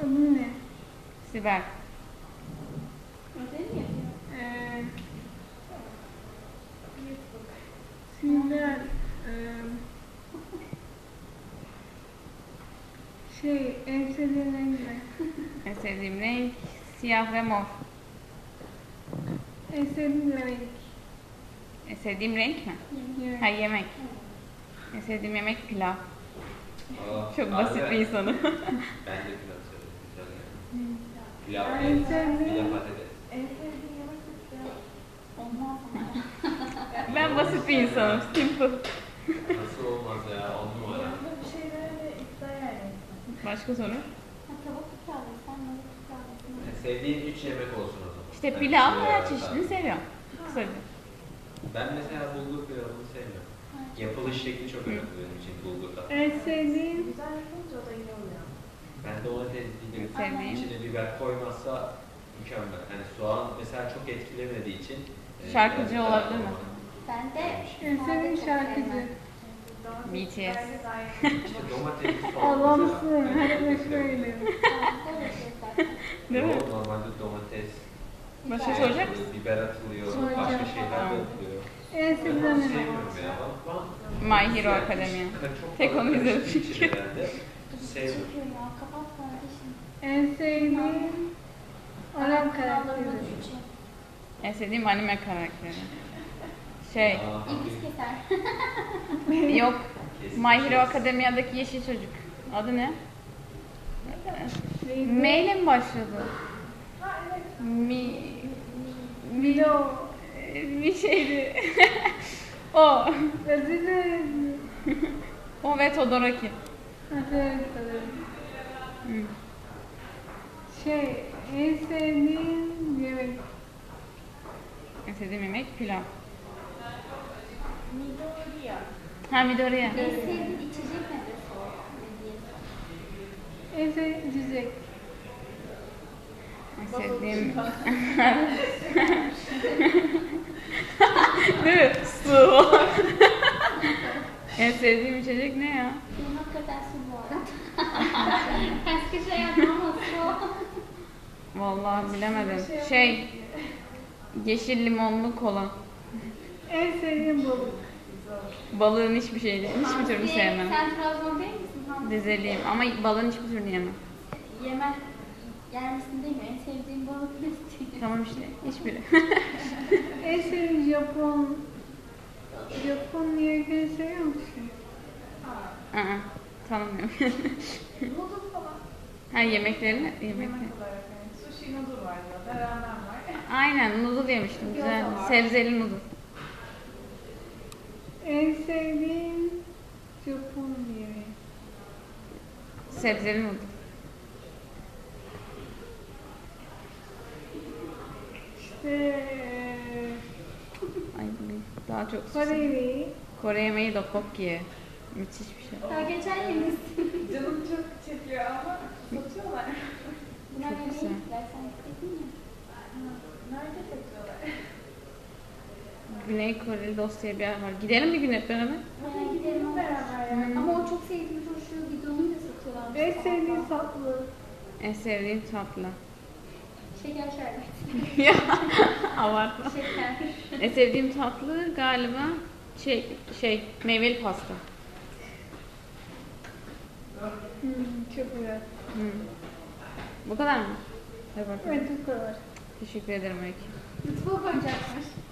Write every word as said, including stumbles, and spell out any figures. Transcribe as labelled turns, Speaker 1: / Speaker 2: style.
Speaker 1: Adın ne?
Speaker 2: Sibel.
Speaker 3: Model mi yapıyor?
Speaker 1: Ee, Sibel. Ee, şey, en sevdiğin renk ne?
Speaker 2: En sevdiğim renk siyah ve mor.
Speaker 1: En sevdiğin renk.
Speaker 2: En sevdiğim renk mi?
Speaker 1: Yemek.
Speaker 2: Ha, yemek. En sevdiğim yemek pilav.
Speaker 4: Aa,
Speaker 2: Çok basit bir insanım.
Speaker 4: Ben de pilav severim. Güzel yani. Pilav,
Speaker 1: En
Speaker 4: et, bir
Speaker 1: sevdiğin-
Speaker 4: de patates.
Speaker 3: En sevdiğin yemek de pilav. Olmaz mı?
Speaker 2: Ben basit bir insanım. Simple.
Speaker 4: Nasıl olmaz ya? On numara.
Speaker 3: Yanında bir şeylere de iddia yerleşsin.
Speaker 2: Başka soru?
Speaker 3: Ha, tavuk pilavı, sen balık pilavı.
Speaker 4: Yani sevdiğin üç yemek olsun o zaman.
Speaker 2: İşte
Speaker 4: Yani
Speaker 2: pilav
Speaker 4: pilav
Speaker 2: her
Speaker 4: arasında.
Speaker 2: çeşidini seviyorum. Kısaca.
Speaker 4: Ben mesela bulgur pilavını sevmiyorum. Yapılış şekli çok önemli benim için bulgurda.
Speaker 1: En sevdiğin
Speaker 3: Güzel yapınca o da iyi oluyor.
Speaker 4: Ben domates değilim.
Speaker 2: Sevdiğim.
Speaker 4: İçine biber koymazsa mükemmel. Yani soğan mesela çok etkilemediği için. e,
Speaker 2: Şarkıcı
Speaker 4: biraz
Speaker 2: olabilir mi?
Speaker 4: daha-
Speaker 3: Ben de
Speaker 1: en sevdiğin şarkıcı.
Speaker 2: B T S.
Speaker 4: İşte domates, soğan
Speaker 1: Adamsın.
Speaker 4: mesela.
Speaker 1: Hep de şöyle.
Speaker 2: Değil mi?
Speaker 4: Yok, normalde domates.
Speaker 2: Başka
Speaker 4: şey
Speaker 2: soracak
Speaker 4: atılıyor,
Speaker 2: mısın?
Speaker 4: biber atılıyor,
Speaker 1: Soracağım.
Speaker 4: başka şeyler de
Speaker 2: Tamam.
Speaker 4: atılıyor.
Speaker 1: En
Speaker 4: Ben
Speaker 1: sevdiğin
Speaker 4: onu
Speaker 1: ne?
Speaker 4: sevmiyorum ya. Ben-
Speaker 2: My Hero
Speaker 4: Yani
Speaker 2: Academia.
Speaker 4: çok
Speaker 2: Tek
Speaker 4: fazla
Speaker 2: onu izledim
Speaker 4: karıştığı için
Speaker 2: çünkü.
Speaker 4: herhalde sevmiyorum.
Speaker 3: Çekiyor ya, kapat kardeşim.
Speaker 1: En sevdiğin Arap
Speaker 3: Kanallarına
Speaker 1: karakteri.
Speaker 3: düşeceğim.
Speaker 2: En sevdiğim anime karakteri. Şey,
Speaker 4: Aa,
Speaker 3: İblis keser.
Speaker 2: yok.
Speaker 4: kesin
Speaker 2: My Hero
Speaker 4: şey.
Speaker 2: Academia'daki yeşil çocuk. Adı ne?
Speaker 1: Neydi?
Speaker 2: M ile mi başladı? Mi...
Speaker 1: Milo.
Speaker 2: Bir şeydi. o.
Speaker 1: Özür dilerim.
Speaker 2: O ve Todoroki.
Speaker 1: Evet, evet.
Speaker 2: Hı.
Speaker 1: Şey, en sevdiğin yemek.
Speaker 2: En sevdiğim yemek pilav.
Speaker 3: Midoriya.
Speaker 2: Ha, Midoriya.
Speaker 3: En sevdiğin içecek nedir? Ne diye.
Speaker 1: En sevdiğin çiçek.
Speaker 2: En sevdiğim... Değil mi? Su. En sevdiğim içecek ne ya?
Speaker 3: Benim hakikaten su bu arada. Ters köşe yapma ama su.
Speaker 2: Vallahi bilemedim. Şey, yeşil limonlu kola.
Speaker 1: En sevdiğin balık.
Speaker 2: Balığın hiçbir şeyini, hiçbir türlü
Speaker 3: Hamsi,
Speaker 2: sevmem.
Speaker 3: Sen Trabzon değil misin? Hamsi.
Speaker 2: Rizeliyim ama balığın hiçbir türlü yemem.
Speaker 3: Yemen yer misin değil mi? En sevdiğin balık ne istiyorsun?
Speaker 2: Tamam işte, hiçbiri.
Speaker 1: En sevdiğin Japon. Japon yemekleri seviyor musun?
Speaker 2: Aa, tanımıyorum.
Speaker 3: Noodle falan.
Speaker 2: Ha, yemeklerini, yemekleri.
Speaker 5: Yemek olarak yani sushi noodle var ya da ramen var.
Speaker 2: Aynen, noodle yemiştim. Güzel.
Speaker 5: Gyoza var.
Speaker 2: Sebzeli noodle.
Speaker 1: En sevdiğin Japon yemeği.
Speaker 2: Sebzeli noodle.
Speaker 1: İşte eee,
Speaker 2: Ay, bu daha çok
Speaker 1: Kore
Speaker 2: susam.
Speaker 1: yemeği.
Speaker 2: Kore yemeği dokbokki. Müthiş bir şey.
Speaker 3: Daha geçen yemişsin.
Speaker 5: Canım çok çekiyor ama satıyorlar.
Speaker 3: Bunlar
Speaker 2: Çok
Speaker 3: yemeği
Speaker 2: güzel.
Speaker 3: yediler. Sen istedin mi?
Speaker 5: Nerede satıyorlar?
Speaker 2: Güney Koreli dost diye bir yer var. Gidelim bir gün hep beraber.
Speaker 3: Ha, gidelim
Speaker 5: Beraber ya.
Speaker 2: Hmm.
Speaker 3: Ama o çok sevdiğim turşu bidonuyla satıyorlar.
Speaker 1: En sevdiğin tatlı.
Speaker 2: En sevdiğim tatlı.
Speaker 3: Şeker şerbeti.
Speaker 2: Ya, abartma.
Speaker 3: Şeker.
Speaker 2: En sevdiğim tatlı galiba şey, şey meyveli pasta.
Speaker 1: Hmm, çok güzel.
Speaker 2: Hmm. Bu kadar mı? Hadi bakalım.
Speaker 1: Evet, bu kadar.
Speaker 2: Teşekkür ederim Öykü.
Speaker 3: Mutfağa koyacakmış.